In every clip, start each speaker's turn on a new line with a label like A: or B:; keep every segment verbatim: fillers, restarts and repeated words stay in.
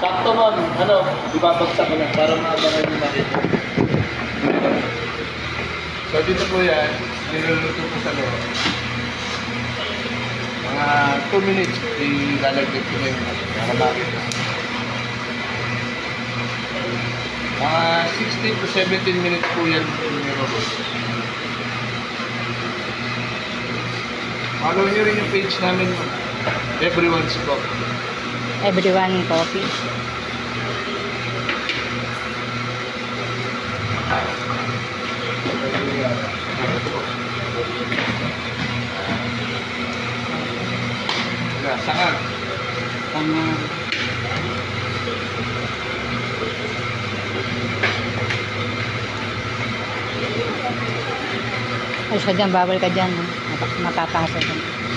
A: Sakto nun, ano, ibabagsak ko lang para maabangan yung makita. So dito po yan, niluluto po sa loob. Mga two minutes, ilalagay ko na yung para makita. Mga sixteen to seventeen minutes po yan niluluto. Follow nyo rin yung page namin, Everyone's Cook.
B: Everyone coffee.
A: Yeah, sangag.
B: Ganyan. Ay, siya dyan, bawal ka dyan. no? Map- Mapapasok ka.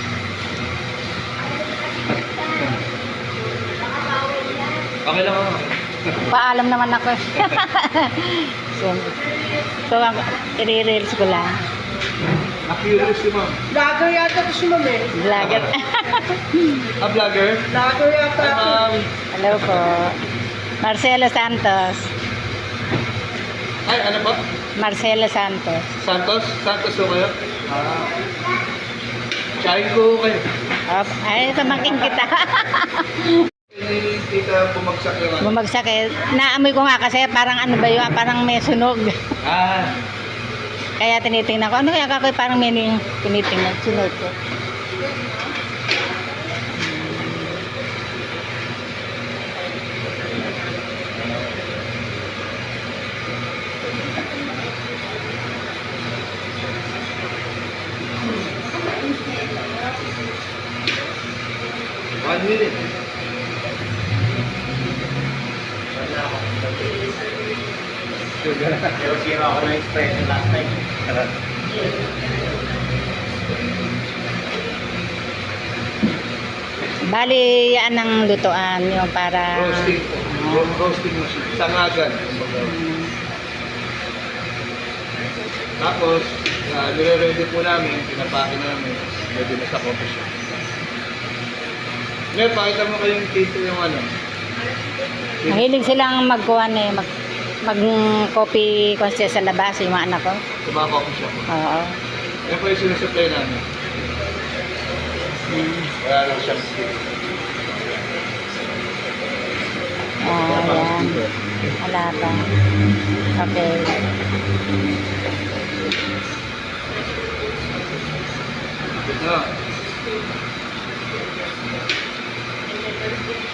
A: Okay lang ako.
B: Paalam naman ako eh. so, so ang i-reels ko lang.
A: Na-curious si ma'am.
C: Vlogger yata ko si Ma'am eh.
B: Vlogger.
A: A vlogger?
C: Vlogger yata
A: Hi,
C: ako.
A: ma'am.
B: Hello po. Marcelo Santos.
A: Ay, ano ba?
B: Marcelo Santos.
A: Santos? Santos po kayo? Ah. Tsahin ko kayo.
B: Op, ay, pamangkin kita.
A: Hindi kita bumagsak yung ano.
B: Bumagsak eh. Naamoy ko nga kasi parang ano ba yun, parang may sunog.
A: Ah.
B: Kaya tinitingnan ko. Ano kaya kakoy parang may ning- tinitingnan. Sunod ko.
A: One minute.
D: Pero sira ako ng expression last time.
B: Bali, yan ang lutuan yung para...
A: Roasting po. Ro- Roasting machine. Sangagan.
B: Mm,
A: Tapos, uh, nire-ready po namin, pinapake namin, ready na sa coffee shop. Ngayon, pakita mo kayong tito yung ano.
B: Mahilig silang magkuhan eh. Mag, mag-copy kasi sa labas yung mga anak ko.
A: Sa mga coffee shop.
B: Oo.
A: Yan po yung sinusupply namin.
B: Mm.
A: Wala lang siyang stick.
B: Ah, yan. Wala pa. Okay.
A: Ito.